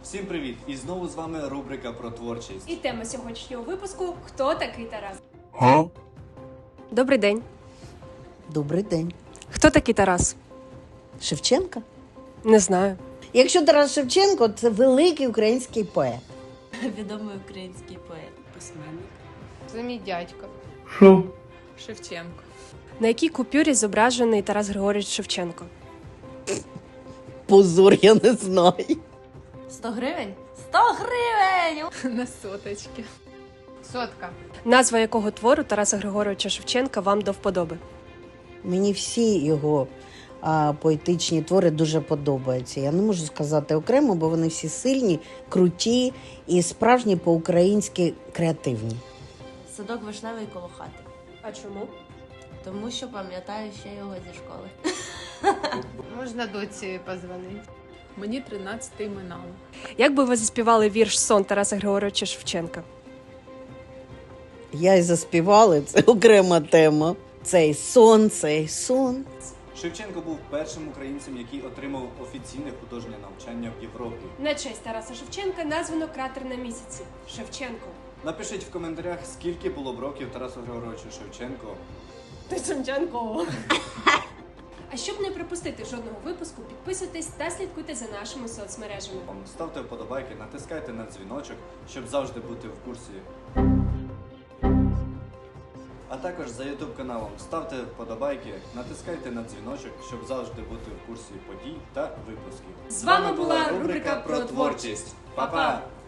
Всім привіт! І знову з вами рубрика про творчість. І тема сьогоднішнього випуску «Хто такий Тарас?». Добрий день. Добрий день. Хто такий Тарас? Шевченка? Не знаю. Якщо Тарас Шевченко, це великий український поет. Відомий український поет, письменник. Це мій дядько. Шевченко. На якій купюрі зображений Тарас Григорович Шевченко? Позор, я не знаю. 100 гривень? 100 гривень! На соточки. Сотка. Назва якого твору Тараса Григоровича Шевченка вам до вподоби? Мені всі його поетичні твори дуже подобаються. Я не можу сказати окремо, бо вони всі сильні, круті і справжні по-українськи креативні. Садок вишневий коло хати. А чому? Тому що пам'ятаю ще його зі школи. Можна доці позвонити. Мені 13 минало. Як би ви заспівали вірш «Сон» Тараса Григоровича Шевченка? Я й заспівала, це окрема тема. Цей сон. Шевченко був першим українцем, який отримав офіційне художнє навчання в Європі. На честь Тараса Шевченка названо кратер на місяці – Шевченко. Напишіть в коментарях, скільки було б років Тарасу Григоровичу Шевченко. Ти Шевченко! А щоб не пропустити жодного випуску, підписуйтесь та слідкуйте за нашими соцмережами. Ставте вподобайки, натискайте на дзвіночок, щоб завжди бути в курсі. А також за YouTube каналом ставте вподобайки, натискайте на дзвіночок, щоб завжди бути в курсі подій та випусків. З вами була рубрика про творчість. Па-па!